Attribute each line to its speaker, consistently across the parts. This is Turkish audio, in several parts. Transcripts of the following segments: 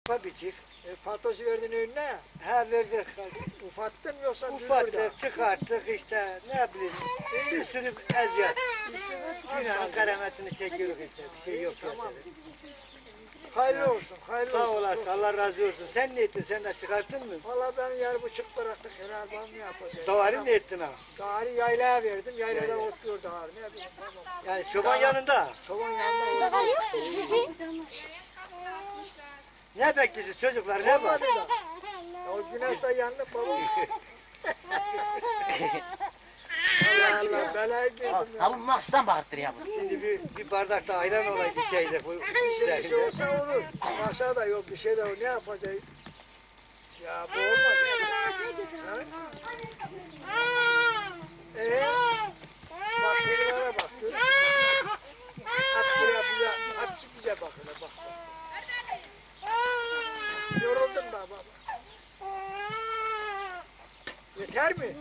Speaker 1: Biçik.
Speaker 2: Patosu verdin önüne.
Speaker 1: Ha verdik.
Speaker 2: Ufattın yoksa
Speaker 1: Ufattık, çıkarttık işte ne bileyim. Bir sürü eziyet. Dünyanın kerametini çekiyoruz işte. Bir şey yok
Speaker 2: Tamam.
Speaker 1: piyasada.
Speaker 2: Hayırlı olsun, hayırlı
Speaker 1: Sağ
Speaker 2: olsun.
Speaker 1: olasın, Allah razı olsun. Sen ne ettin? Sen de çıkarttın mı?
Speaker 2: Valla ben yer buçuk bıraktık, helal bal mı yapacağız?
Speaker 1: Davarı ne ettin ha?
Speaker 2: Davarı yaylaya verdim, yaylada
Speaker 1: Yayla.
Speaker 2: oturuyor davarı, ne bileyim babam.
Speaker 1: Yani çoban yanında.
Speaker 2: Çoban yanında oturuyor.
Speaker 1: Ne bekliyorsun çocuklar? Ne var?
Speaker 2: Olmadı da. O güneşle yandı babam. Allah Allah, belaya girdim ya.
Speaker 3: Tavuk nasıldan bağırtır ya bu?
Speaker 1: Şimdi bir bardak da ayran olaydı içeydik. Bu
Speaker 2: Bir şey olsa olur. Aşağı da yok, bir şey de yok. Ne yapacağız? Ya bu olmadı. Bak şuralara bak. Görüyor musun? Hep buraya buraya. Hepsi bize bakıyor. Bak. Yoruldum da baba. Yeter mi?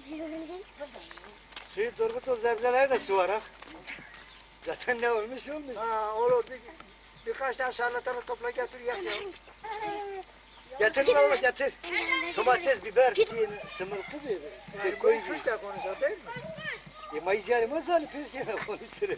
Speaker 1: Suyu Turgut o zebzeler de su var ha. Zaten ne olmuş olmuş.
Speaker 2: Ha olur. Birkaç tane şarlatanı topla getir yak ya.
Speaker 1: Getir oğlum getir. Domates, biber, sımırtı bir.
Speaker 2: Yani
Speaker 1: Koy
Speaker 2: bu
Speaker 1: bir.
Speaker 2: Türkçe konuşuyor değil mi?
Speaker 1: Mayıcı mazali peskine konuşturuyor.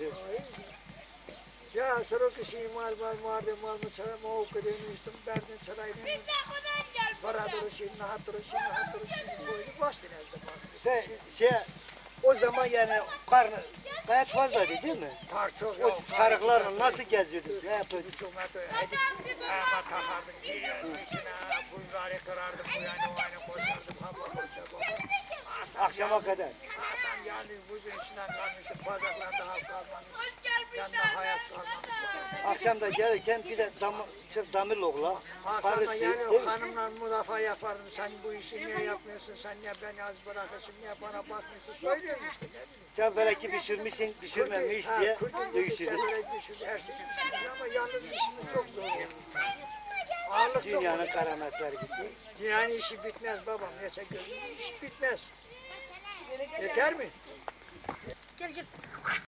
Speaker 2: Ya sırok işi mal mal mı çara mı okudum istim derdin çarayını. Para duruşu, nahat duruşu koydu bastı nezde bak.
Speaker 1: Ve o zaman yani karnı gayet fazlaydı değil mi?
Speaker 2: Kar çok
Speaker 1: O
Speaker 2: yok.
Speaker 1: sarıklarla nasıl geziyordunuz? Ne yapıyordunuz?
Speaker 2: Hiç olmadı. Hadi ama takardım giriyordum içine. Bulgarı kırardım bu yana o yana koşardım.
Speaker 1: Akşama kadar.
Speaker 2: Hasan geldi buzun içinden kalmıştı. Bacaklarda hap kalmamış. Yanında hayat kalmamış.
Speaker 1: Akşam da gelirken bir de damır oğla.
Speaker 2: Hasan'la
Speaker 1: Karısı.
Speaker 2: yani
Speaker 1: değil
Speaker 2: o
Speaker 1: mi?
Speaker 2: hanımla müdafaa yapardım. Sen bu işi niye yapmıyorsun? Sen niye beni az bırakırsın? Niye bana bakmıyorsun? Söylüyorum işte. Ne bileyim.
Speaker 1: Sen belki pişirmişsin, pişirmemiş diye dövüşürdün.
Speaker 2: Düşürdü, her şey düşürdü ama yalnız işimiz çok zor oldu. Ağırlık çok
Speaker 1: Dünyanın
Speaker 2: oldu.
Speaker 1: kerametleri gitti.
Speaker 2: Dünyanın işi bitmez babam. Neyse gözüm iş bitmez. Yeter mi?
Speaker 3: Gel gel.